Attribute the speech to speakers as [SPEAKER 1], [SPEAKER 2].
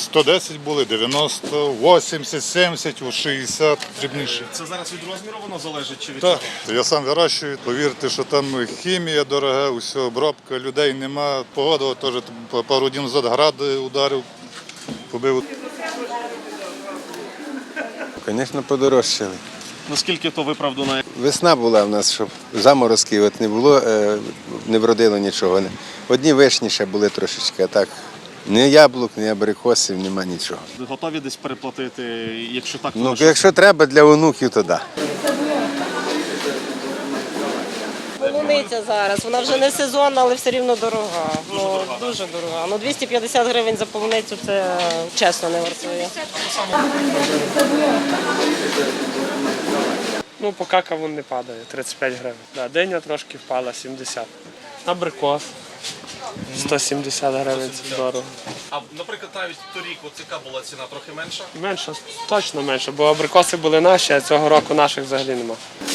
[SPEAKER 1] 110 були, 90, 80, 70, 60 дрібніші.
[SPEAKER 2] Це зараз від розміру воно залежить чи від
[SPEAKER 1] Так,
[SPEAKER 2] чого?
[SPEAKER 1] я сам вирощую. Повірте, що там хімія дорога, усе, обробка, людей нема. Погода теж пару днів назад град ударив, побив.
[SPEAKER 3] Звісно, подорожчали.
[SPEAKER 2] Наскільки то виправдано?
[SPEAKER 3] Весна була в нас, щоб заморозків от не було, не вродило нічого. Одні вишні ще були трошечки, а так ні яблук, ні абрикосів, нема нічого.
[SPEAKER 2] Готові десь переплатити, якщо так, то
[SPEAKER 3] Ну,
[SPEAKER 2] на що?
[SPEAKER 3] якщо треба для онуків, то так.
[SPEAKER 4] Полуниця зараз, вона вже не сезонна, але все рівно дорога. Дуже дорога. Ну, 250 гривень за полуницю – це чесно не вартує.
[SPEAKER 5] Ну, поки кавун не падає, 35 гривень. Да, диня трошки впала, 70. Абрикос 170 гривень, це дорого.
[SPEAKER 2] А, наприклад, навіть торік яка була ціна, трохи менша?
[SPEAKER 5] Менше, точно менше, бо абрикоси були наші, а цього року наших взагалі нема.